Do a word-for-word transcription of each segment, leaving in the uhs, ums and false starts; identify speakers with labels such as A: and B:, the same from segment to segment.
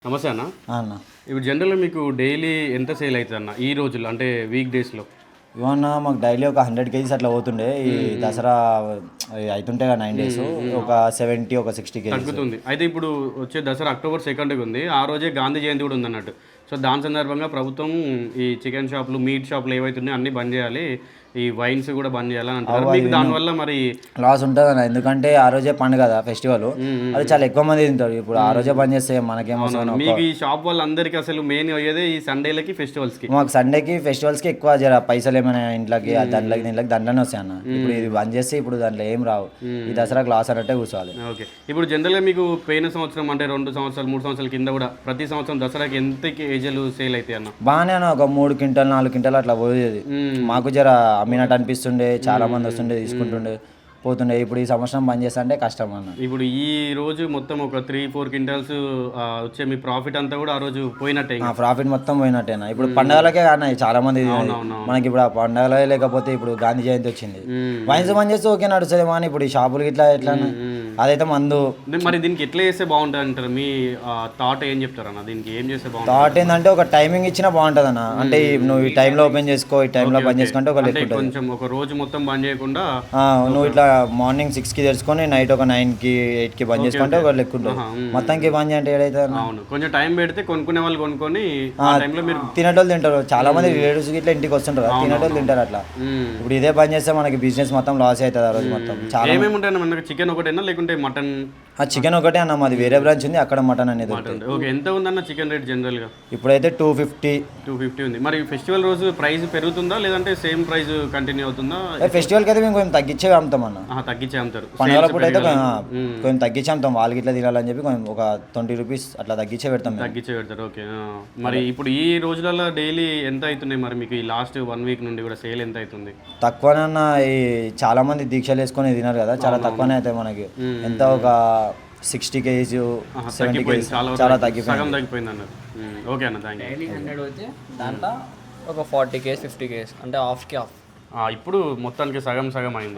A: నమస్తే అన్న.
B: అన్న
A: ఇప్పుడు జనరల్గా మీకు డైలీ ఎంత సేల్ అవుతుంది అన్న ఈ రోజుల్లో, అంటే వీక్ డేస్లో?
B: ఇవన్న మాకు డైలీ ఒక హండ్రెడ్ కేజీస్ అట్లా పోతుండే. ఈ దసరా అవుతుంటే నైన్ డేస్ ఒక సెవెంటీ ఒక సిక్స్టీ కేజీస్
A: తగ్గుతుంది. అయితే ఇప్పుడు వచ్చే దసరా అక్టోబర్ సెకండ్కి ఉంది, ఆ రోజే గాంధీ జయంతి కూడా ఉంది అన్నట్టు. సో దాని సందర్భంగా ప్రభుత్వం ఈ చికెన్ షాపులు, మీట్ షాపులు ఏవైతున్నాయో అన్నీ బంద్ చేయాలి, ఈ వైన్స్ కూడా బంద్ చేయాలని అంటారు. మీకు దానివల్ల మరి
B: లాస్ ఉంటుంది అన్న, ఎందుకంటే ఆ రోజే పండుగ కదా ఫెస్టివల్, అది చాలా ఎక్కువ మంది తింటారు. ఇప్పుడు ఆ రోజే బంద్ చేస్తే మనకేమో.
A: మీకు ఈ షాప్ వాళ్ళందరికీ అసలు మెయిన్ అయ్యేదే ఈ సండేలకి, ఫెస్టివల్స్కి.
B: మాకు సండేకి ఫెస్టివల్స్కి ఎక్కువ జర పైసలు ఏమైనా ఇంట్లోకి దాంట్లోకి దీంట్లోకి దాంట్లోనే వస్తాయి అన్న. ఇప్పుడు ఇది బంద్ చేస్తే ఇప్పుడు దాంట్లో ఏం రావు, ఈ దసరాకి లాస్ అన్నట్టే కూర్చోవాలి.
A: ఓకే, ఇప్పుడు జనరల్గా మీకు పోయిన సంవత్సరం అంటే రెండు సంవత్సరాలు మూడు సంవత్సరాల కింద కూడా ప్రతి సంవత్సరం దసరాకి ఎంత కేజీలు సేల్ అవుతాయి అన్న?
B: బాగానే అన్న, ఒక మూడు క్వింటల్ నాలుగు క్వింటల్ అట్లా పోయేది. మాకు జర అమ్మినట్టు అనిపిస్తుండే, చాలా మంది వస్తుండే తీసుకుంటుండే పోతుండే. ఇప్పుడు ఈ సంవత్సరం బంద్ చేస్తా అంటే కష్టం అన్న.
A: ఇప్పుడు ఈ రోజు మొత్తం ఒక త్రీ ఫోర్ క్వింటల్స్ వచ్చే మీ ప్రాఫిట్ అంతా కూడా ఆ రోజు పోయినట్టే.
B: ప్రాఫిట్ మొత్తం పోయినట్టేనా. ఇప్పుడు పండగలకే అన్న చాలా మంది మనకి. ఇప్పుడు ఆ పండగలే లేకపోతే ఇప్పుడు గాంధీ జయంతి వచ్చింది, వైన్స్ బంద్ చేస్తే ఓకే నడుస్తుంది. కానీ ఇప్పుడు ఈ షాపులకి ఇట్లా ఎట్లా అదైతే మందు.
A: మరి దీనికి ఎట్లా చేస్తే బాగుంటుంది అంటారు? మీ థాట్ ఏం చెప్తారు అన్న? దీనికి ఏం చేస్తే బాగుంటుంది?
B: థాట్ ఏంటంటే ఒక టైమింగ్ ఇచ్చినా బాగుంటుంది అన్న. అంటే నువ్వు ఈ టైంలో ఓపెన్ చేసుకో, ఈ టైంలో బంద్ చేసుకుంటే ఒక లెక్క
A: కొంచెం ఒక రోజు మొత్తం బంద్ చేయకుండా
B: నువ్వు ఇట్లా మార్నింగ్ సిక్స్ కి తెరుచుకొని నైట్ ఒక నైన్ కి ఎయిట్ కి బంద్ చేసుకుంటే ఒక లెక్క ఉంటుంది. మొత్తానికి బంద్ చేయంటే ఏదైతే
A: కొంచెం టైం పెడితే కొనుక్కునే వాళ్ళు కొనుక్కొని
B: తినేటోళ్ళు తింటారు. చాలా మంది రిలేటివ్స్ ఇట్లా ఇంటికి వస్తుంటారు, తినేటోళ్ళు తింటారు అట్లా. ఇప్పుడు ఇదే బంద్ చేస్తే మనకి బిజినెస్ మొత్తం లాస్ అవుతుంది ఆ రోజు మొత్తం. చాలా
A: ఏమేమి ఉంటాయి మనకి? చికెన్ ఒకటేనా లేకుంటే మటన్?
B: చికెన్ ఒకటే అన్న, మాది వేరే బ్రాంచ్ ఉంది, అక్కడ మటన్ అనేది.
A: ఓకే, ఎంత ఉందన్న చికెన్ రేట్ జనరల్ గా?
B: ఇప్పుడైతే టూ ఫిఫ్టీ
A: టూ ఫిఫ్టీ ఉంది. మరి ఫెస్టివల్ రోజు ప్రైస్ పెరుగుతుందా లేదంటే సేమ్ ప్రైస్ కంటిన్యూ అవుతుందా?
B: ఫెస్టివల్ కి అయితే మేము కొంచెం తగ్గించే అమ్ముతాం అన్న.
A: తగ్గించే అమ్ముతారు.
B: పండుగల పూట అయితే కొంచెం తగ్గించి అమ్ముతాం, వాళ్ళకి ఇట్లా తినాలని చెప్పి కొంచెం ఒక ట్వంటీ రూపీస్ అట్లా తగ్గించే పెడతాం.
A: తగ్గించే పెడతారు. ఓకే, మరి ఇప్పుడు ఈ రోజులలో డైలీ ఎంత అవుతున్నాయి మరి మీకు? ఈ లాస్ట్ వన్ వీక్ నుండి కూడా సేల్ ఎంత అవుతుంది?
B: తక్కువనన్నా, ఈ చాలా మంది దీక్షలు వేసుకొని తినారు కదా, చాలా తక్కువనే అవుతాయి మనకి. ఎంత ఒక సిక్స్టీ కేజీ సెవెంటీ కేజీ చాలా తగ్గిపోయింది
A: తగ్గిపోయింది అన్నారు. ఓకే అన్న, థ్యాంక్ యూ.
C: డైలీ హండ్రెడ్ వచ్చి దాంట్లో ఒక ఫార్టీ కేస్ ఫిఫ్టీ కేస్ అంటే హాఫ్కి హాఫ్.
A: ఇప్పుడు మొత్తానికి సగం సగం అయింది.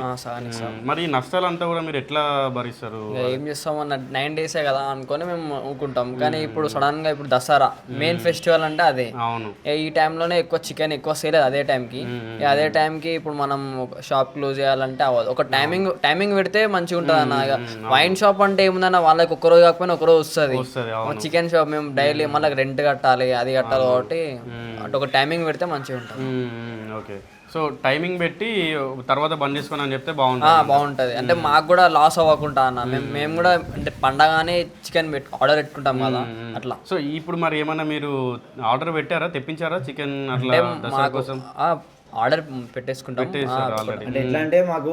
A: మరి నష్టాలంతా కూడా మీరు ఎట్లా భరిస్తారు?
C: ఏం చేస్తాం అన్న, నైన్ డేసే కదా అనుకొని మేము ఊరుకుంటాం. కానీ ఇప్పుడు సడన్ గా ఇప్పుడు దసరా మెయిన్ ఫెస్టివల్ అంటే అదే.
A: అవును,
C: ఈ టైంలోనే ఎక్కువ చికెన్ ఎక్కువ సేల్ అదే టైంకి. అదే టైంకి ఇప్పుడు మనం షాప్ క్లోజ్ చేయాలంటే అవ్వదు. ఒక టైమింగ్ టైమింగ్ పెడితే మంచిగా ఉంటుంది అన్న. వైన్ షాప్ అంటే ఏముందన్న, వాళ్ళకి ఒక రోజు కాకపోయినా ఒక రోజు వస్తుంది. చికెన్ షాప్ మేము డైలీ మళ్ళీ రెంట్ కట్టాలి, అది కట్టాలి. కాబట్టి అటు ఒక టైమింగ్ పెడితే మంచిగా ఉంటుంది.
A: ఓకే, సో టైమింగ్ పెట్టి తర్వాత బంద్ చేసుకుని అని చెప్తే బాగుంటుంది.
C: బాగుంటుంది అంటే మాకు కూడా లాస్ అవ్వకుండా అన్న. మేము మేము కూడా అంటే పండగానే చికెన్ పెట్టు ఆర్డర్ పెట్టుకుంటాం కదా అట్లా.
A: సో ఇప్పుడు మరి ఏమన్నా మీరు ఆర్డర్ పెట్టారా, తెప్పించారా చికెన్ అట్లా దసరా కోసం?
C: ఆర్డర్ పెట్టేసుకుంటాం.
B: అంటే ఎట్లా అంటే మాకు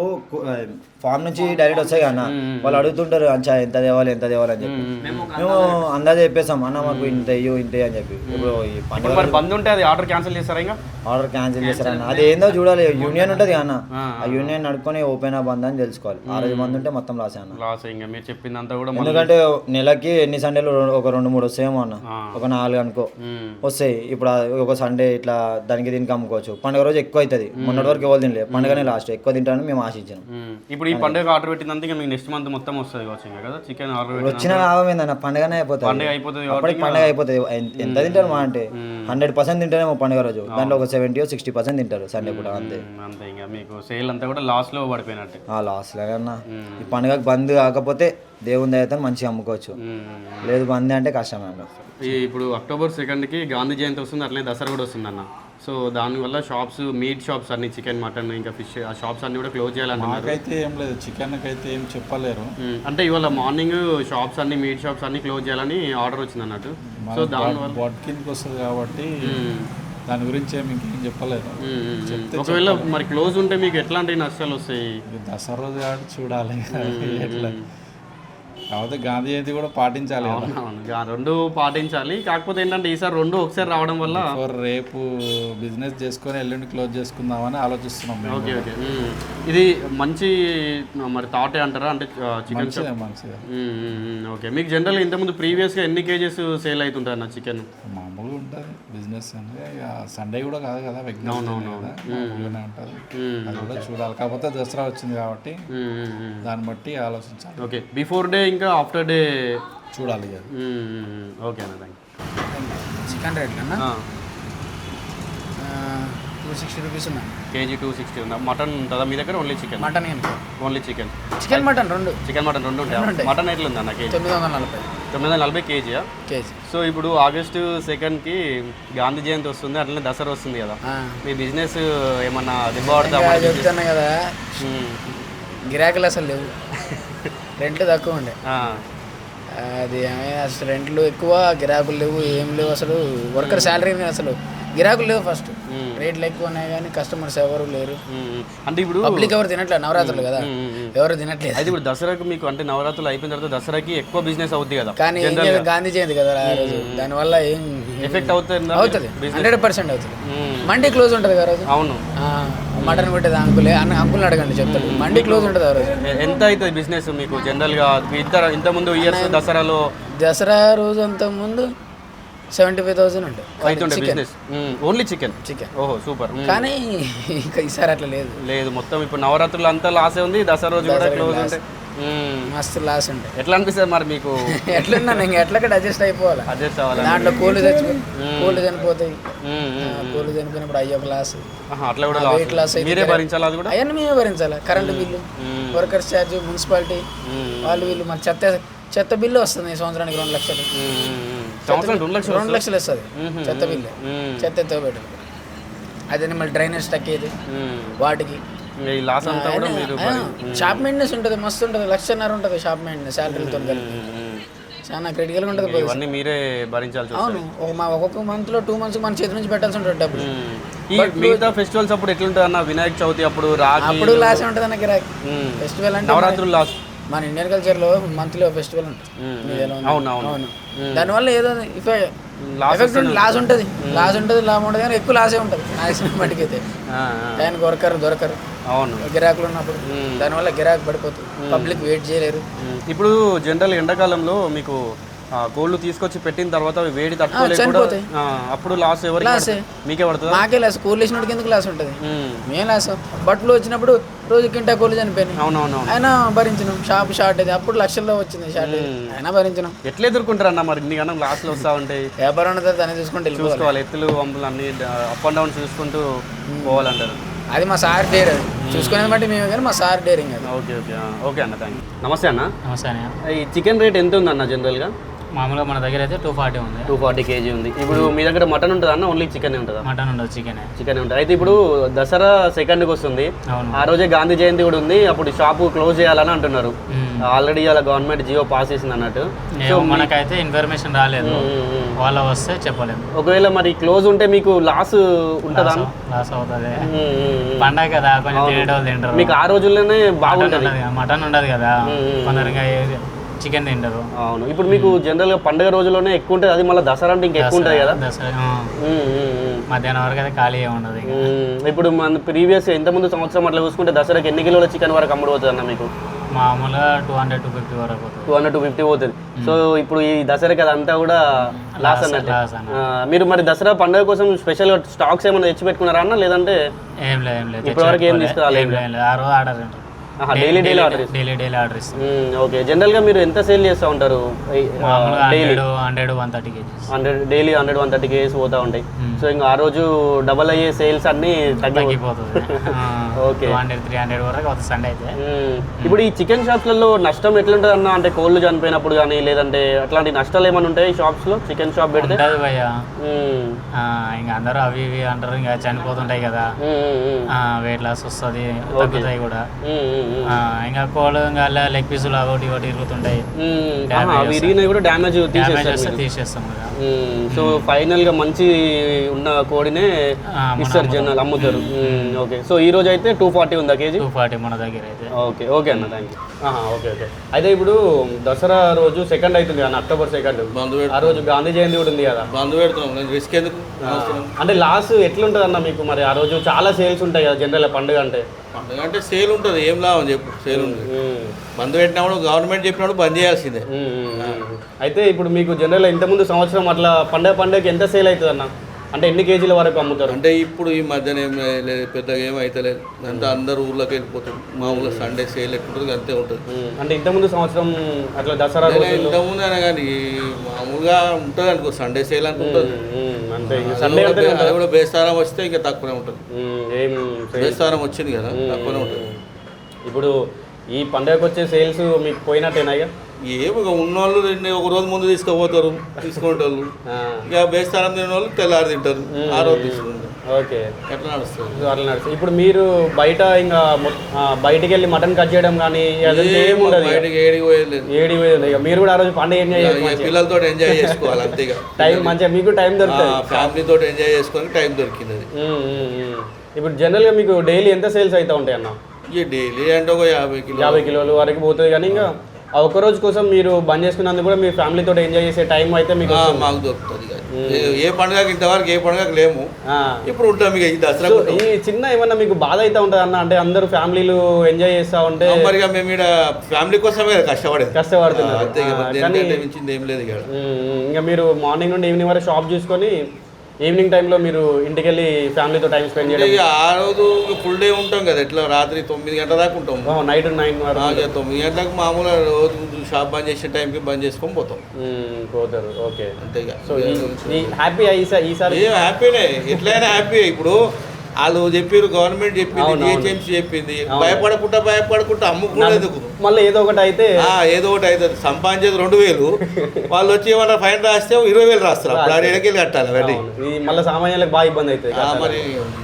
B: ఫామ్ నుంచి డైరెక్ట్ వస్తాయి అన్న, వాళ్ళు అడుగుతుంటారు అంచా ఎంత తేవాలి ఎంత తేవాలి అని చెప్పి. మేము అందాజే చెప్పేస్తాం అన్న, మాకు ఇంత ఇయ్యో ఇంత అని చెప్పి. ఇప్పుడు ఈ
A: పండుగ బంద్ ఉంటే అది ఆర్డర్ క్యాన్సిల్ చేస్తారా? ఇంకా
B: ఆర్డర్ క్యాన్సిల్ చేస్తారా అన్న, అది ఏందో చూడాలి. యూనియన్ ఉంటుంది అన్న, ఆ యూనియన్ నడుకొని ఓపెన్ ఆ బంద్ అని తెలుసుకోవాలి. ఆ రోజు బంద్ ఉంటే మొత్తం లాస్ అన్న.
A: లాస్ ఇంకా మీరు చెప్పిందంతా కూడా.
B: ఎందుకంటే నెలకి ఎన్ని సండేలు ఒక రెండు మూడు వస్తాయేమో అన్న, ఒక నాలుగు అనుకో వస్తాయి. ఇప్పుడు ఒక సండే ఇట్లా దానికి దీనికి అమ్ముకోవచ్చు. పండుగ రోజు ఎక్కువ అవుతుంది, మొన్నటి వరకు ఎవరు తినలేదు, పండుగనే లాస్ట్ ఎక్కువ తింటానని మేము ఆశించాం.
A: ఇప్పుడు ఈ పండుగ ఆర్డర్ పెట్టినందుకు మీకు నెక్స్ట్ మంత్ మొత్తం వస్తుంది కదా చికెన్ ఆర్డర్
B: వచ్చిన లాభం ఏందన్న, పండుగనే అయిపోతుంది.
A: పండుగ అయిపోతుంది
B: అప్పటికి పండుగ అయిపోతుంది. ఎంత తింటారు మా అంటే హండ్రెడ్ పర్సెంట్ తింటారేమో పండుగ రోజు, దాంట్లో ఒక సెవెంటీ సిక్స్టీ పర్సెంట్ తింటారు సండే కూడా. అంతే
A: అంతే, ఇంకా మీకు సేల్ అంతా కూడా లాస్ లో పడిపోయినట్టు.
B: లాస్ లేదన్నా, ఈ పండుగకు బంద్ కాకపోతే దేవుని దయతో మంచిగా అమ్ముకోవచ్చు, లేదు బంద్ అంటే కష్టం అన్న.
A: ఇప్పుడు అక్టోబర్ సెకండ్కి గాంధీ జయంతి వస్తుంది, అట్లనే దసరా కూడా వస్తుంది అన్న. సో దానివల్ల షాప్స్, మీట్ షాప్స్ అన్ని, చికెన్ మటన్ ఇంకా ఫిష్, ఆ షాప్స్ అన్ని కూడా క్లోజ్ చేయాలన్నారు.
D: నాకైతే ఏం లేదు, చికెన్ అయితే ఏం చెప్పలేరు.
A: అంటే ఇవాళ మార్నింగ్ షాప్స్ అన్ని, మీట్ షాప్స్ అన్ని క్లోజ్ చేయాలని ఆర్డర్ వచ్చింది అన్నట్టు. సో దానివల్ల
D: బాట్ కిందకి వస్తుంది కాబట్టి దాని గురించి ఏమి ఇంకేం చెప్పలేదు.
A: ఒకవేళ మరి క్లోజ్ ఉంటే మీకు ఎట్లాంటి నష్టాలు వస్తాయి?
D: దసరా రోజు కాబట్టి చూడాలి ఎట్లా. కాకపోతే గాంధీ జయంతి కూడా పాటించాలి,
A: రెండు పాటించాలి. కాకపోతే ఏంటంటే ఈసారి రెండు ఒకసారి రావడం వల్ల
D: రేపు బిజినెస్ చేసుకొని ఎల్లుండి క్లోజ్ చేసుకుందామని ఆలోచిస్తున్నాం.
A: ఓకే ఓకే, ఇది మంచి మరి థాటే అంటారా? అంటే చికెన్
D: మంచిగా.
A: ఓకే, మీకు జనరల్ ఇంతకుముందు ప్రీవియస్గా ఎన్ని కేజెస్ సేల్ అవుతుంటాయి అన్న చికెన్?
D: మామూలుగా ఉంటుంది బిజినెస్ అంటే, సండే కూడా కాదు కదా, విజ్ఞానం కదా, మామూలుగానే ఉంటుంది. అది కూడా చూడాలి. కాకపోతే దసరా వచ్చింది కాబట్టి దాన్ని బట్టి ఆలోచించాలి.
A: ఓకే, బిఫోర్ డే ఇంకా ఆఫ్టర్ డే
D: చూడాలి ఇక.
A: ఓకే అన్న థ్యాంక్
E: చికెన్ రేట్ కన్నా
A: యూ.
E: టూ సిక్స్టీ రూపీస్ ఉన్నాయి.
A: కేజీ టూ సిక్స్టీ ఉందా? మటన్ ఉంటుందా మీ దగ్గర? Only chicken?
E: మటన్ ఏంటి?
A: Only chicken.
E: చికెన్ మటన్ రెండు.
A: చికెన్ మటన్ రెండు ఉంటాయి. మటన్ ఎట్లా ఉందన్న కేజీ?
E: తొమ్మిది వందల నలభై.
A: తొమ్మిది వందల నలభై కేజీయా?
E: కేజీ.
A: సో ఇప్పుడు ఆగస్టు సెకండ్కి గాంధీ జయంతి వస్తుంది, అట్లనే దసరా వస్తుంది కదా, మీ బిజినెస్ ఏమన్నా దిబ్బపడతా?
E: చెప్తున్నా కదా, గిరాకీలు అసలు లేవు, రెంట్లు తక్కువ ఉండే. అది అసలు రెంట్లు ఎక్కువ, గిరాకులు లేవు, ఏం లేవు అసలు. వర్కర్ శాలరీ అసలు గిరాకులు లేవు. ఫస్ట్ రేట్లు ఎక్కువ ఉన్నాయి కానీ కస్టమర్స్ ఎవరు లేరు.
A: అంటే ఇప్పుడు
E: పబ్లిక్ ఎవరు తినట్లేదు, నవరాత్రులు కదా, ఎవరు తినట్లేదు.
A: అయితే ఇప్పుడు దసరాకు మీకు అంటే నవరాత్రులు అయిపోయిన తర్వాత దసరాకి ఎక్కువ బిజినెస్ అవుతుంది కదా,
E: కానీ గాంధీ జయంతి కదా ఆ రోజు, దానివల్ల ఏం
A: ఎఫెక్ట్ అవుతుంది?
E: అవుతుంది, హండ్రెడ్ పర్సెంట్ అవుతుంది. మండీ క్లోజ్ ఉంటుంది కదా రోజు.
A: అవును,
E: మటన్ పెట్టేది అంకులే, అన్న అంకుల్ని అడగండి చెప్తాడు. మండీ క్లోజ్ ఉంటుంది ఆ రోజు.
A: ఎంత అవుతుంది బిజినెస్ మీకు జనరల్గా? ఇంత ఇంత ముందు ఇయర్స్ దసరాలో,
E: దసరా రోజు అంత ముందు సెవెంటీ ఫైవ్ థౌసండ్ ఉంటుంది
A: అవుతుండే బిజినెస్, ఓన్లీ చికెన్.
E: చికెన్
A: ఓహో సూపర్.
E: కానీ ఇంకా ఈసారి అట్లా లేదు.
A: లేదు, మొత్తం ఇప్పుడు నవరాత్రులు అంతా లాసే ఉంది, దసరా రోజు కూడా క్లోజ్ ఉంటాయి.
E: మస్తు లాస్ ఉంటాయి.
A: ఎట్లా అనిపిస్తుంది మరి మీకు?
E: ఎట్లున్నా ఇంకా ఎట్లక్కడ అడ్జస్ట్ అయిపోవాలి.
A: అడ్జస్ట్ అవ్వాలి.
E: దాంట్లో కోళ్ళు తెచ్చుకో, కోళ్ళు చనిపోతాయి, కోళ్ళు చనిపోయినప్పుడు అయ్యో లాస్,
A: అట్లా కూడా
E: వెయిట్ లాస్
A: మీరే భరించాలి. అది కూడా
E: అవన్నీ మేమే భరించాలి. Current bill, workers charge, municipality వాళ్ళు వీళ్ళు, మన చెత్త చెత్త బిల్లు వస్తుంది సంవత్సరానికి రెండు లక్షలు.
A: రెండు లక్షలు
E: రెండు లక్షలు వస్తుంది చెత్త బిల్లు, చెత్త ఎత్తో పెట్టాలి. అదే మళ్ళీ డ్రైనేజ్ స్టక్ అయ్యేది వాటికి.
A: లాస్ అంతా కూడా మీరు
E: షాప్ మెయింటెనెన్స్ ఉంటుంది, మస్తు ఉంటుంది, లక్షన్నర ఉంటుంది షాప్ మెయింటెనెన్స్ శాలరీలతో కలిపి. చాలా క్రిటికల్గా ఉంటుంది.
A: ఇవన్నీ మీరే భరించాల్సి వస్తుంది.
E: అవును, మా ఒక్కొక్క మంత్లో టూ మంత్స్ మన చేతి నుంచి పెట్టాల్సి ఉంటుంది డబ్బులు.
A: ఈ మిగతా ఫెస్టివల్స్ అప్పుడు ఎట్లుంటుంది అన్న? వినాయక చవితి అప్పుడు రాకి
E: అప్పుడు లాస్ ఉంటుంది అన్న గిరాకీ. ఫెస్టివల్ అంటే
A: నవరాత్రులు లాస్.
E: మన ఇండియన్ కల్చర్లో మంత్లీ ఫెస్టివల్ ఉంటుంది.
A: అవును అవును.
E: దానివల్ల ఏదో ఎఫెక్ట్ లాస్ ఉంటుంది, లాస్ ఉంటుంది, లాభం ఉంటుంది, కానీ ఎక్కువ లాసే ఉంటుంది మ్యాక్సిమం మటుకైతే. టైంకి వర్కర్ దొరకరు,
A: అవును,
E: గిరాకులు ఉన్నప్పుడు. దానివల్ల గిరాకు పడిపోతుంది, పబ్లిక్ వెయిట్ చేయలేరు.
A: ఇప్పుడు జనరల్ ఎండాకాలంలో మీకు కోళ్ళు తీసుకొచ్చి పెట్టిన తర్వాత అవి వేడి తట్టుకోలేక అప్పుడు లాస్ ఎవరు?
E: లాసే
A: మీకే పడుతుంది.
E: మాకే లాస్. కోళ్ళు వేసినోడికి ఎందుకు లాస్ ఉంటుంది? మేము లాస్. బట్టలు వచ్చినప్పుడు రోజు కింటా కోళ్ళు చనిపోయినాయి,
A: అవునవును, అయినా
E: భరించినాం. షాప్ షార్ట్ అది అప్పుడు లక్షల్లో వచ్చింది షార్ట్, అయినా భరించినాం.
A: ఎట్లా ఎదుర్కొంటారు అన్న మరి? ఇన్ని కన్నా లాస్లో వస్తూ ఉంటాయి.
E: వ్యాపారం ఉంటుంది, దాన్ని చూసుకుంటే
A: చూసుకోవాలి. ఎత్తులు వంపులు అన్ని అప్ అండ్ డౌన్ చూసుకుంటూ పోవాలంటారు.
E: అది మా సార్ డేర్, అది చూసుకునేది బట్టి మేము, కానీ మా సార్ డేరింగ్ అది.
A: ఓకే ఓకే ఓకే అన్న, థ్యాంక్ యూ. నమస్తే అన్న.
F: నమస్తే అన్న.
A: ఈ చికెన్ రేట్ ఎంత ఉంది అన్న జనరల్గా?
F: మామూలుగా మన దగ్గర అయితే టూ ఫార్టీ ఉంది.
A: టూ ఫార్టీ కేజీ ఉంది. ఇప్పుడు మీ దగ్గర మటన్ ఉంటుందా అన్న? ఓన్లీ చికెన్ ఉంటుందా?
F: మటన్ ఉండదు, చికెన్
A: చికెన్ ఉంటుంది. అయితే ఇప్పుడు దసరా సెకండ్కి వస్తుంది,
F: అవును,
A: ఆ రోజే గాంధీ జయంతి కూడా ఉంది. అప్పుడు షాపు క్లోజ్ చేయాలని అంటున్నారు. ఆల్రెడీ అలా గవర్నమెంట్ జియో పాస్ చేసింది అన్నట్టు.
F: సో మనకైతే ఇన్ఫర్మేషన్ రాలేదు, వాళ్ళ వస్తే చెప్పలేదు.
A: ఒకవేళ మరి క్లోజ్ ఉంటే మీకు లాస్ ఉంటుందా?
F: లాస్ అవుతుంది, పండగ కదా, కొంచెం తినేటోళ్ళు తింటారు.
A: మీకు ఆ రోజుల్లోనే బాగుంటుంది.
F: మటన్ ఉండదు కదా, కొందరుగా చికెన్ తింటారు.
A: అవును, ఇప్పుడు మీకు జనరల్గా పండుగ రోజుల్లోనే ఎక్కువ ఉంటుంది, అది మళ్ళీ దసరా అంటే ఇంకా ఎక్కువ ఉంటుంది కదా.
F: దసరా మధ్యాహ్నం వరకు అయితే ఖాళీ ఉండదు.
A: ఇప్పుడు మన ప్రీవియస్ ఇంతకుముందు సంవత్సరం అట్లా చూసుకుంటే దసరాకి ఎన్ని కిలోల చికెన్ వరకు అమ్ముడు పోతుంది అన్న మీకు?
F: మామూలుగా టూ హండ్రెడ్ టూ ఫిఫ్టీ వరకు పోతుంది.
A: టూ హండ్రెడ్ టూ ఫిఫ్టీ పోతుంది. సో ఇప్పుడు ఈ దసరాకి అదంతా కూడా లాస్ అన్నట్టు. మీరు మరి దసరా పండుగ కోసం స్పెషల్గా స్టాక్స్ ఏమైనా తెచ్చి పెట్టుకున్నారా అన్న? లేదంటే
F: ఏం లేదు, ఏం లేదు,
A: ఇప్పటివరకు ఏం తీసుకురాలేదు.
F: ఆ రోజు order
A: daily daily order
F: daily daily order ఇస్తాం.
A: ఓకే, జనరల్గా మీరు ఎంత సేల్ చేస్తూ ఉంటారు?
F: Hundred hundred one thirty kgs
A: hundred daily hundred one thirty kgs పోతూ ఉంటాయి. సో ఇంకా ఆ రోజు డబల్ అయ్యే సేల్స్ అన్ని
F: తగ్గిపోతుంది.
A: ఓకే,
F: హండ్రెడ్ త్రీ హండ్రెడ్ వరకు అవుతుంది సండే అయితే.
A: ఇప్పుడు ఈ చికెన్ షాప్స్లలో నష్టం ఎట్లుంటుంది అన్న? అంటే కోళ్ళు చనిపోయినప్పుడు కానీ లేదంటే అట్లాంటి నష్టాలు ఏమైనా ఉంటాయి షాప్స్లో? చికెన్ షాప్ పెడితే
F: భయ్యా ఇంకా అందరూ అవి ఇవి అంటారు, ఇంకా చనిపోతుంటాయి కదా, వెయిట్ లాస్ వస్తుంది, తగ్గుతాయి కూడా. ఇంకా కోళ్ళు ఇంకా లెగ్ పీసులు ఒకటి ఒకటి ఇరుగుతుంటాయి,
A: కూడా డ్యామేజ్
F: తీసేస్తాం కదా.
A: సో ఫైనల్ గా మంచి ఉన్న కోడినే ఇస్తారు జనాలు, అమ్ముతారు. ఓకే, సో ఈ రోజు అయితే టూ ఫార్టీ ఉందా కేజీ?
F: టూ ఫార్టీ మన దగ్గర అయితే.
A: ఓకే ఓకే అన్న, థ్యాంక్ యూ. ఓకే ఓకే అయితే ఇప్పుడు దసరా రోజు సెకండ్ అవుతుంది కదా, అక్టోబర్ సెకండ్, ఆ రోజు గాంధీ జయంతి కూడా ఉంది కదా.
G: బంధు పెడుతున్నాం, రిస్క్ ఎందుకు?
A: అంటే లాస్ ఎట్లుంటుంది అన్న మీకు? మరి ఆ రోజు చాలా సేల్స్ ఉంటాయి కదా జనరల్ పండుగ అంటే.
G: పండుగ అంటే సేల్ ఉంటుంది, ఏం లాభం చెప్పు? సేల్ ఉంటుంది. బంద్ పెట్టినప్పుడు గవర్నమెంట్ చెప్పినప్పుడు బంద్ చేయాల్సిందే.
A: అయితే ఇప్పుడు మీకు జనరల్ ఇంతకుముందు సంవత్సరం అట్లా పండుగ పండుగకి ఎంత సేల్ అవుతుంది అన్న? అంటే ఎన్ని కేజీల వరకు అమ్ముతారు?
G: అంటే ఇప్పుడు ఈ మధ్యన ఏం లేదు, పెద్దగా ఏం అవుతలేదు, అంతా అందరు ఊర్లోకి వెళ్ళిపోతారు. మామూలుగా సండే సేల్ ఎక్కుంటుంది, అంతే ఉంటుంది.
A: అంటే ఇంతకుముందు సంవత్సరం అట్లా దసరా
G: ఇంతకుముందు అయినా కానీ మామూలుగా ఉంటుంది అనుకో, సండే సేల్ అనుకుంటుంది.
A: అంతే
G: సండే అది కూడా బేస్తారం వస్తే ఇంకా తక్కువనే ఉంటుంది.
A: ఏం
G: బేస్తారం వచ్చింది కదా, తక్కువనే ఉంటుంది.
A: ఇప్పుడు ఈ పండుగకు వచ్చే సేల్స్ మీకు పోయినట్టేనా? ఇక
G: ఏమి ఉన్నోళ్ళు ఒక రోజు ముందు తీసుకుపోతారు తీసుకునేటోళ్ళు, ఇక బేస్తారం తినే వాళ్ళు తెల్లారి తింటారు, ఆ రోజు తీసుకుంటారు.
A: ఓకే,
G: ఎట్లా నడుస్తుంది?
A: అట్లా నడుస్తుంది. ఇప్పుడు మీరు బయట ఇంకా బయటికి వెళ్ళి మటన్ కట్ చేయడం కానీ
G: బయటకి ఏడికి పోయేది లేదు.
A: ఏడి పోయేది. ఇక మీరు కూడా ఆ రోజు పండుగ ఎంజాయ్
G: పిల్లలతో ఎంజాయ్ చేసుకోవాలి అంతే.
A: టైం మంచిగా మీకు టైం దొరుకుతుంది,
G: ఫ్యామిలీతో ఎంజాయ్ చేసుకోవడానికి టైం దొరికింది.
A: ఇప్పుడు జనరల్గా మీకు డైలీ ఎంత సేల్స్ అవుతా ఉంటాయి అన్న?
G: ఇక డైలీ అంటే ఒక యాభై కిలో
A: యాభై కిలోలు వరకు పోతుంది. కానీ ఇంకా ఆ ఒక్క రోజు కోసం మీరు బంద్ చేసుకున్నందుకు కూడా మీ ఫ్యామిలీతో ఎంజాయ్ చేసే టైం అయితే మీకు
G: మాకు దొరుకుతుంది. ఏ పండుగకి ఇంతవరకు ఏ పండుగకి లేము, ఇప్పుడు ఉంటాం. ఇక ఈ దసరా
A: ఈ చిన్న ఏమన్నా మీకు బాధ అయితే ఉంటుంది అన్న? అంటే అందరూ ఫ్యామిలీలు ఎంజాయ్ చేస్తూ ఉంటే
G: మరిగా మేము ఇక్కడ ఫ్యామిలీ కోసమే కష్టపడేది,
A: కష్టపడుతున్నారు.
G: అంతే. ఏం లేదు.
A: ఇంకా మీరు మార్నింగ్ నుండి ఈవినింగ్ వరకు షాప్ చూసుకొని ఈవినింగ్ టైంలో మీరు ఇంటికి వెళ్ళి ఫ్యామిలీతో టైం స్పెండ్ చేయడం.
G: ఆ రోజు ఫుల్ డే ఉంటాం కదా, ఎట్లా రాత్రి తొమ్మిది గంటల దాకా ఉంటాం,
A: నైట్ నైన్ వరకు.
G: తొమ్మిది గంటలకు మామూలుగా రోజు షాప్ బంద్ చేసే టైంకి బంద్ చేసుకొని పోతాం,
A: పోతారు. ఓకే,
G: అంతేగా.
A: సో హ్యాపీ ఈసారి
G: హ్యాపీనే, ఎట్లయినా హ్యాపీ. ఇప్పుడు వాళ్ళు చెప్పారు, గవర్నమెంట్ చెప్పింది, జిహెచ్ఎంసీ చెప్పింది, భయపడకుండా భయపడకుండా అమ్ముకునేందుకు
A: మళ్ళీ ఏదో ఒకటి అయితే
G: ఏదో ఒకటి అవుతుంది. సంపాదించేది రెండు వేలు, వాళ్ళు వచ్చి ఏమన్నా ఫైన్ రాస్తే ఇరవై వేలు రాస్తారు, అప్పుడు ఆడ ఎడకెళ్ళి కట్టాలి అవన్నీ.
A: మళ్ళీ సామాన్యులకు బాగా ఇబ్బంది అవుతుంది.
G: మరి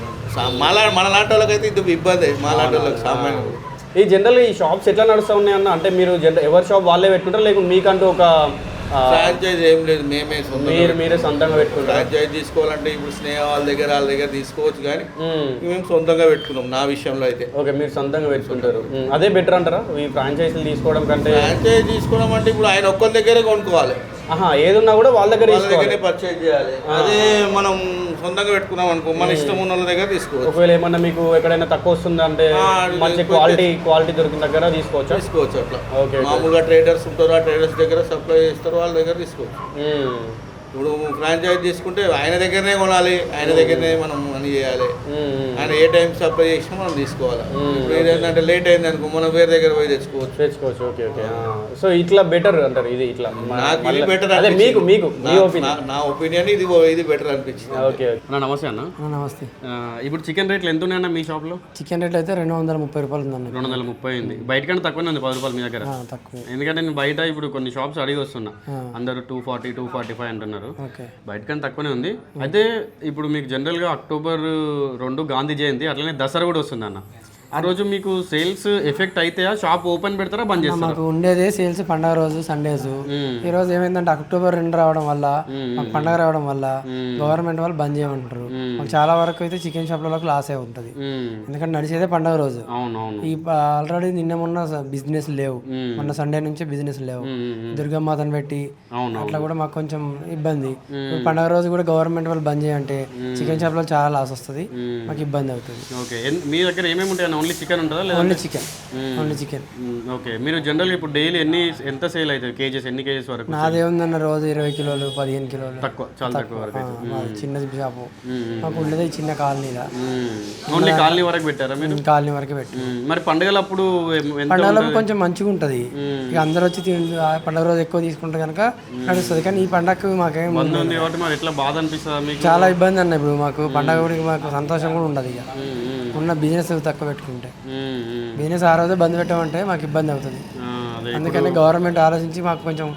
G: మళ్ళా మన లాంటి వాళ్ళకి అయితే ఇది ఇబ్బంది, మా లాంటి వాళ్ళకి సామాన్యులు.
A: ఈ జనరల్ ఈ షాప్స్ ఎట్లా నడుస్తూ ఉన్నాయి అన్న? అంటే మీరు జనరల్ ఎవరి షాప్ వాళ్ళే పెట్టుకుంటారు, లేకుంటే మీకంటూ ఒక
G: ఫ్రాంచైజ్ ఏం లేదు, మేమే
A: మీరు మీరే సొంతంగా పెట్టుకుంటారు?
G: ఫ్రాంచైజ్ తీసుకోవాలంటే ఇప్పుడు స్నేహ వాళ్ళ దగ్గర వాళ్ళ దగ్గర తీసుకోవచ్చు, కానీ మేము సొంతంగా పెట్టుకున్నాం నా విషయంలో అయితే.
A: ఓకే, మీరు సొంతంగా పెట్టుకుంటారు, అదే బెటర్ అంటారా ఈ ఫ్రాంచైజీలు తీసుకోవడం కంటే?
G: ఫ్రాంచైజ్ తీసుకోవడం అంటే ఇప్పుడు ఆయన ఒక్కరి దగ్గరే కొనుక్కోవాలి,
A: ఏదున్నా కూడా వాళ్ళ దగ్గర
G: దగ్గరే పర్చేజ్ చేయాలి. అదే మనం సొంతంగా పెట్టుకున్నాం అనుకో, మన ఇష్టం ఉన్న వాళ్ళ దగ్గర తీసుకోవచ్చు.
A: ఒకవేళ ఏమన్నా మీకు ఎక్కడైనా తక్కువ వస్తుంది అంటే మంచి క్వాలిటీ క్వాలిటీ దొరికిన దగ్గర తీసుకోవచ్చు
G: తీసుకోవచ్చు అట్లా.
A: ఓకే,
G: మామూలుగా ట్రేడర్స్ ఉంటారు, ఆ ట్రేడర్స్ దగ్గర సప్లై చేస్తారు, వాళ్ళ దగ్గర తీసుకోవచ్చు. ఇప్పుడు ఫ్రాంచైజ్ తీసుకుంటే ఆయన దగ్గరనే కొనాలి, ఆయన దగ్గరనే మనం మనీ చేయాలి, ఆయన ఏ టైం సప్లై చేసినా మనం తీసుకోవాలి. ఇప్పుడు ఏంటంటే లేట్ అయింది అనుకో, మనం వేరే దగ్గర పోయి తెచ్చుకోవచ్చు
A: తెచ్చుకోవచ్చు ఓకే ఓకే సో ఇట్లా బెటర్ అంటారు ఇది ఇట్లా
G: నాకు ఇది బెటర్
A: అదే మీకు మీకు
G: నా ఒపీనియన్ ఇది ఇది బెటర్ అనిపించింది.
A: ఓకే అన్న, నమస్తే అన్న.
H: నమస్తే.
A: ఇప్పుడు చికెన్ రేట్లు ఎంత ఉన్నాయన్న మీ షాప్లో?
H: చికెన్ రేట్ అయితే రెండు వందల ముప్పై రూపాయలు ఉందన్న.
A: రెండు వందల ముప్పై ఉంది, బయట కంటే తక్కువనే ఉంది పది రూపాయలు మీ దగ్గర.
H: తక్కువ,
A: ఎందుకంటే నేను బయట ఇప్పుడు కొన్ని షాప్స్ అడిగి వస్తున్నా, అందరూ two forty two forty five అంటున్నారు, బయట కంటే తక్కువనే ఉంది. అయితే ఇప్పుడు మీకు జనరల్గా అక్టోబర్ రెండు గాంధీ జయంతి, అట్లనే దసరా కూడా వస్తుంది అన్న. ఆ రోజు మీకు సేల్స్ ఎఫెక్ట్ అయితే షాప్ ఓపెన్ పెడతారా బంద్ చేస్తారా?
H: మాకు ఉండేదే సేల్స్ పండగ రోజు సండేస్. ఈ రోజు ఏమైందంటే అక్టోబర్ రెండు రావడం వల్ల, మాకు పండగ రావడం వల్ల గవర్నమెంట్ వాళ్ళు బంద్ చేయమంటారు. మాకు చాలా వరకు అయితే చికెన్ షాప్లలో లాస్ అయి ఉంటుంది, ఎందుకంటే నడిచేదే పండగ రోజు. ఈ ఆల్రెడీ నిన్న మొన్న బిజినెస్ లేవు, మొన్న సండే నుంచి బిజినెస్ లేవు, దుర్గమ్మాతను పెట్టి అట్లా కూడా మాకు కొంచెం ఇబ్బంది. పండగ రోజు కూడా గవర్నమెంట్ వాళ్ళు బంద్ చేయంటే చికెన్ షాప్ లో చాలా లాస్ వస్తుంది, మాకు ఇబ్బంది అవుతుంది.
A: ఓకే, మీ దగ్గర ఏమేమి ఉంటాయి? ఓన్లీ చికెన్ ఉంటుందా లేదా?
H: Only chicken, only chicken.
A: Okay, మీరు జనరల్ ఇప్పుడు డైలీ ఎన్ని ఎంత సేల్ అవుతుంది? కేజెస్ ఎన్ని కేజెస్ వరకు?
H: నాదేముందన్న రోజు ఇరవై కిలోలు పదిహేను కిలోలు,
A: తక్కువ, చాలా తక్కువ వరకు.
H: చిన్న షాపు మాకు ఉండేది చిన్న కాలనీలా.
A: ఓన్లీ కాలనీ వరకు పెట్టారా మీరు?
H: కాలనీ వరకు పెట్టి.
A: మరి పండుగలప్పుడు
H: పండుగలకు కొంచెం మంచిగా ఉంటుంది, ఇక అందరూ వచ్చి పండుగ రోజు ఎక్కువ తీసుకుంటే కనుక నడుస్తుంది. కానీ ఈ పండగకు మాకేం
A: ఉంది కాబట్టి మరి ఎట్లా బాధ అనిపిస్తుంది మీకు?
H: చాలా ఇబ్బంది అన్న. ఇప్పుడు మాకు పండగ కూడా మాకు సంతోషం కూడా ఉండదు, ఇక ఉన్న బిజినెస్ తక్కువ పెట్టుకుంటే. బిజినెస్ ఆ రోజు బంద్ పెట్టామంటే మాకు ఇబ్బంది అవుతుంది. అందుకని గవర్నమెంట్ ఆలోచించి మాకు కొంచెం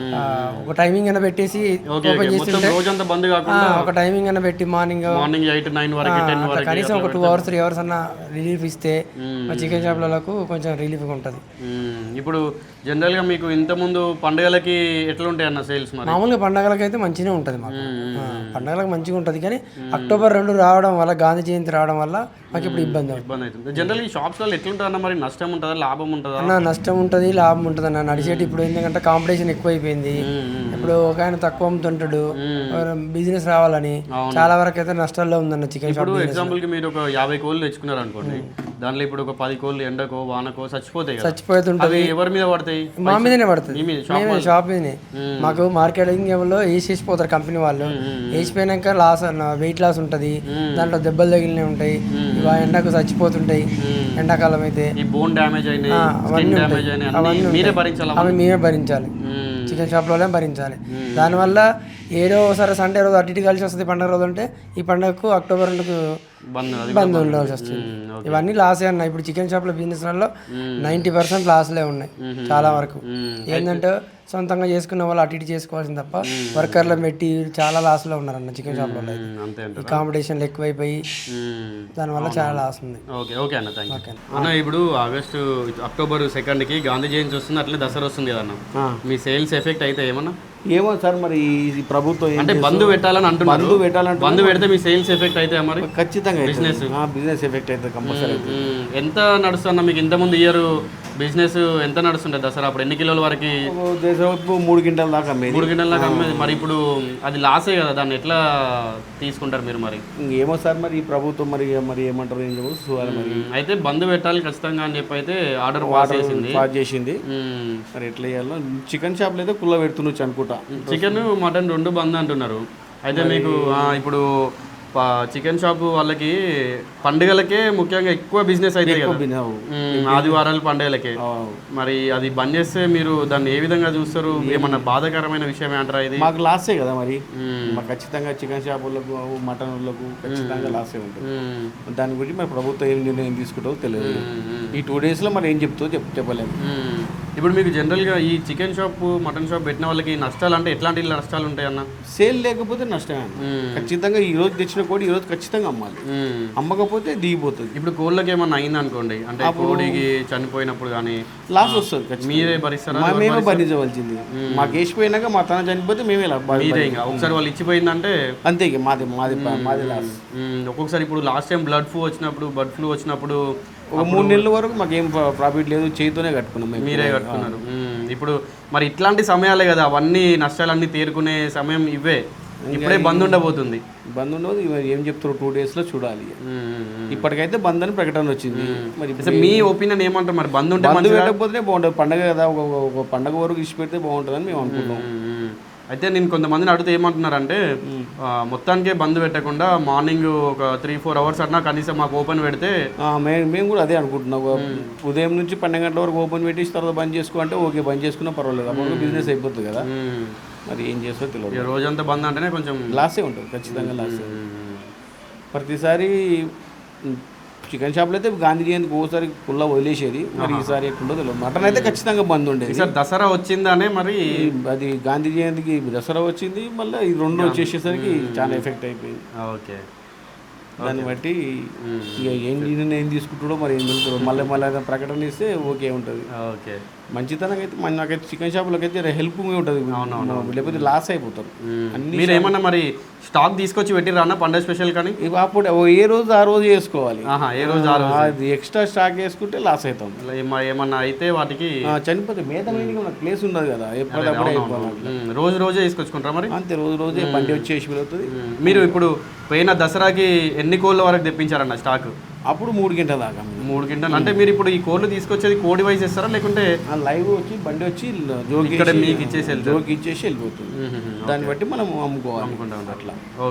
H: ఒక టైమింగ్ అయినా పెట్టేసి ఓపెన్ చేస్తుంటే, ఒక టైమింగ్ అయినా పెట్టి మార్నింగ్
A: మార్నింగ్ ఎయిట్ నైన్ వరకు
H: కనీసం ఒక టూ అవర్స్ త్రీ అవర్స్ అన్న రిలీఫ్ ఇస్తే మా చికెన్ షాప్లకు కొంచెం రిలీఫ్గా ఉంటుంది.
A: ఇప్పుడు జనరల్గా మీకు ఇంతకుముందు పండుగలకి ఎట్లా ఉంటాయి అన్న సేల్స్?
H: మామూలుగా పండుగలకి అయితే మంచిగా ఉంటుంది మాకు, పండుగలకు మంచిగా ఉంటుంది. కానీ అక్టోబర్ రెండు రావడం వల్ల, గాంధీ జయంతి రావడం వల్ల మాకు ఇప్పుడు ఇబ్బంది
A: ఇబ్బంది అవుతుంది. జనరల్ ఈ షాప్స్లో ఎట్లుంటుంది అన్న? మరి నష్టం ఉంటుందా లాభం ఉంటుందా?
H: అన్న నష్టం ఉంటుంది, లాభం ఉంటుంది అన్న. నడిచేటి ఇప్పుడు ఎందుకంటే కాంపిటీషన్ ఎక్కువైపోయింది. ఇప్పుడు ఒక ఆయన తక్కువ అమ్ముతుంటాడు, బిజినెస్ రావాలని చాలా వరకు అయితే నష్టాల్లో ఉందన్న చికెన్ షాప్.
A: ఎగ్జాంపుల్ కి మీరు ఒక యాభై కోళ్ళు తెచ్చుకున్నారు అనుకోండి, దాంట్లో ఇప్పుడు ఒక పది కోళ్ళు ఎండకో వానకో చచ్చిపోతాయి కదా,
H: చచ్చిపోతుంటది.
A: అవి ఎవరి మీద పడతాయి?
H: మా మీదనే పడుతుంది,
A: మీ మీద, షాప్
H: మేమే షాప్ మీదనే. మాకు మార్కెటింగ్ లో వేసేసిపోతారు కంపెనీ వాళ్ళు. వేసిపోయినాక లాస్ వెయిట్ లాస్ ఉంటుంది, దాంట్లో దెబ్బలు తగిలినవి ఉంటాయి, ఇవి ఎండకు చచ్చిపోతుంటాయి. ఎండాకాలం అయితే
A: ఈ బోన్ డ్యామేజ్ అయినాయి, స్కిన్ డ్యామేజ్ అయినాయి, అన్ని మీరే భరించాలి.
H: అవి మేమే భరించాలి, చికెన్ షాప్లోనే భరించాలి. దానివల్ల ఏదో ఒకసారి సండే రోజు అటు ఇటు కలిసి వస్తుంది పండుగ రోజు అంటే, ఈ పండుగకు అక్టోబర్ రెండుకు
A: బంద్ అది
H: బంద్ ఉండాల్సి వస్తుంది. ఇవన్నీ లాసే అన్న. ఇప్పుడు చికెన్ షాప్లో బిజినెస్లలో నైంటీ పర్సెంట్ లాస్లే ఉన్నాయి చాలా వరకు. ఏంటంటే సొంతంగా చేసుకున్న వాళ్ళు అటు ఇటు చేసుకోవాల్సింది తప్ప వర్కర్లు పెట్టి చాలా లాస్లో ఉన్నారన్న చికెన్ షాప్లో.
A: అంతే
H: ఈ కాంపిటీషన్లు ఎక్కువైపోయి దానివల్ల చాలా లాస్ ఉంది.
A: ఓకే ఓకే అన్న, థ్యాంక్ యూ అన్న. ఇప్పుడు ఆగస్టు అక్టోబర్ సెకండ్కి గాంధీ జయంతి వస్తుంది, అట్లే దసరా వస్తుంది కదా అన్న, మీ సేల్స్ ఎఫెక్ట్ అయితే ఏమన్నా?
I: ఏమో సార్ మరి ఈ ప్రభుత్వం
A: అంటే బంధు పెట్టాలని అంటున్నారు,
I: బంధు పెట్టాలంటే
A: బంధు పెడితే మీ సేల్స్ ఎఫెక్ట్ అయితే మరి
I: ఖచ్చితంగా
A: బిజినెస్
I: బిజినెస్ ఎఫెక్ట్ అయితే కంపల్సరీ.
A: ఎంత నడుస్తున్నా మీకు ఇంతకుముందు ఇయర్ బిజినెస్ ఎంత నడుస్తుండే దసరా అప్పుడు? ఎన్ని కిలోల వరకు?
I: దేశపు మూడు గింటల దాకా అమ్మేది.
A: మూడు గిన్నెల దాకా అమ్మేది. మరి ఇప్పుడు అది లాసే కదా, దాన్ని ఎట్లా తీసుకుంటారు మీరు మరి?
I: ఏమో సార్ మరి ఈ ప్రభుత్వం మరి మరి ఏమంటారు ఏం చూడాలి మరి.
A: అయితే బంధు పెట్టాలి ఖచ్చితంగా అని చెప్పి అయితే ఆర్డర్ పాస్ చేసింది
I: పాస్ చేసింది. మరి ఎట్లా చేయాలో చికెన్ షాప్లో అయితే కుల్ల పెడుతుండొచ్చు అనుకుంటా.
A: చికెన్ మటన్ రెండు బంద్ అంటున్నారు. అయితే మీకు ఆ, ఇప్పుడు చికెన్ షాప్ వాళ్ళకి పండుగలకే ముఖ్యంగా ఎక్కువ బిజినెస్ అయితే కదా, ఆదివారాలు పండుగలకే. మరి అది బంద్ చేస్తే మీరు దాన్ని ఏ విధంగా చూస్తారు? ఏమన్నా బాధాకరమైన విషయం అంటారా ఇది?
I: మాకు లాసే కదా మరి. మాకు ఖచ్చితంగా చికెన్ షాపులకు మటన్ వాళ్ళకు ఖచ్చితంగా లాసే ఉంటుంది. దాని గురించి మరి ప్రభుత్వం ఏం నిర్ణయం తీసుకుంటుందో తెలియదు. ఈ టూ డేస్లో మరి ఏం చెప్తుందో చెప్ చెప్పలేము.
A: ఇప్పుడు మీకు జనరల్గా ఈ చికెన్ షాప్ మటన్ షాప్ పెట్టిన వాళ్ళకి నష్టాలు అంటే ఎట్లాంటి నష్టాలు ఉంటాయి అన్న?
I: సేల్ లేకపోతే నష్టమే. ఖచ్చితంగా ఈ రోజు తెచ్చిన కోడి ఈ రోజు ఖచ్చితంగా అమ్మాలి, అమ్మకపోతే దిగిపోతుంది.
A: ఇప్పుడు కోళ్ళకి ఏమన్నా అయింది అనుకోండి, అంటే కోడికి చనిపోయినప్పుడు కానీ
I: లాస్ వస్తుంది.
A: మీరే భరిస్తారా?
I: మేమే భరించవలసింది. మాకు వేసిపోయినాక మా తన చనిపోతే మేమే
A: మీరే ఇంకా ఒకసారి వాళ్ళు ఇచ్చిపోయిందంటే
I: అంతే, ఇక మాది మాది మాది లాస్.
A: ఒక్కొక్కసారి ఇప్పుడు లాస్ట్ టైం బ్లడ్ ఫ్లూ వచ్చినప్పుడు బర్డ్ ఫ్లూ వచ్చినప్పుడు
I: ఒక మూడు నెలల వరకు మాకేం ప్రాఫిట్ లేదు, చేతితోనే కట్టుకున్నాం.
A: మీరే కట్టుకున్నారు. ఇప్పుడు మరి ఇట్లాంటి సమయాలే కదా అవన్నీ నష్టాలన్నీ తీరుకునే సమయం ఇవే. ఇప్పుడే బంద్ ఉండబోతుంది.
I: బంద్ ఉండదు, ఏం చెప్తారు టూ డేస్ లో చూడాలి. ఇప్పటికైతే బంద్ అని ప్రకటన వచ్చింది. మరి
A: మీ ఒపీనియన్ ఏమంటారు? మరి బంద్ ఉంటే
I: బంద్ పెట్టకపోతే బాగుంటుంది. పండగ కదా, ఒక పండగ వరకు ఇచ్చి పెడితే బాగుంటుందని మేము అనుకుంటాం.
A: అయితే నేను కొంతమందిని అడిగితే ఏమంటున్నారంటే మొత్తానికే బంద్ పెట్టకుండా మార్నింగ్ ఒక త్రీ ఫోర్ అవర్స్ అన్నా కనీసం మాకు ఓపెన్ పెడితే.
I: మేము కూడా అదే అనుకుంటున్నాం. ఉదయం నుంచి పన్నెండు గంటల వరకు ఓపెన్ పెట్టేసి తర్వాత బంద్ చేసుకో అంటే ఓకే, బంద్ చేసుకున్నా పర్వాలేదు, అప్పుడు బిజినెస్ అయిపోతుంది కదా. మరి ఏం చేస్తో తెలియదు.
A: రోజంతా బంద్ అంటేనే కొంచెం
I: లాసే ఉంటుంది, ఖచ్చితంగా లాసే. ప్రతిసారి చికెన్ షాప్లో అయితే గాంధీ జయంతికి ఓసారి పుల్ల వదిలేసేది, మరి ఈసారి ఎట్లుండో తెలియదు. మటన్ అయితే ఖచ్చితంగా బంద్ ఉండేది.
A: సార్ దసరా వచ్చిందానే మరి
I: అది గాంధీ జయంతికి దసరా వచ్చింది, మళ్ళీ ఈ రెండు వచ్చేసేసరికి చాలా ఎఫెక్ట్ అయిపోయింది.
A: ఓకే,
I: దాన్ని బట్టి ఇక ఏం నిర్ణయం తీసుకుంటాడో మరి ఏం తెలుస్తుందో. మళ్ళీ మళ్ళీ ప్రకటన ఇస్తే ఓకే ఉంటుంది.
A: ఓకే,
I: మంచితనంగా అయితే మన నాకైతే చికెన్ షాప్లోకి అయితే హెల్ప్గా ఉంటుంది, లేకపోతే లాస్ అయిపోతారు.
A: అన్ని మీరు ఏమన్నా మరి స్టాక్ తీసుకొచ్చి పెట్టిరా అన్న పండుగ స్పెషల్ కానీ?
I: అప్పుడు ఏ రోజు ఆ రోజు చేసుకోవాలి.
A: ఏ రోజు ఆ రోజు
I: అది ఎక్స్ట్రా స్టాక్ వేసుకుంటే లాస్ అవుతాం.
A: ఏమన్నా అయితే వాటికి
I: చనిపోతే మేత మనకు ప్లేస్ ఉండదు కదా, ఎప్పటికప్పుడు అయిపోవాలి.
A: రోజు రోజే తీసుకొచ్చుకుంటారా మరి?
I: అంతే, రోజు రోజే బండి వచ్చేసి వెళ్తుంది.
A: మీరు ఇప్పుడు పోయిన దసరాకి ఎన్ని కోళ్ళ వరకు తెప్పించారన్న స్టాక్?
I: అప్పుడు మూడు గంటల దాకా.
A: మూడు గంటలు అంటే మీరు ఇప్పుడు ఈ కోళ్ళు తీసుకొచ్చేది కోడి వైజ్ ఇస్తారా లేకుంటే
I: లైవ్ వచ్చి బండి వచ్చి జోకి
A: మీకు ఇచ్చేసి
I: జోకి ఇచ్చేసి వెళ్ళిపోతుంది. దాన్ని బట్టి మనం అమ్ముకోవాలి, అమ్ముకుంటాం అట్లా.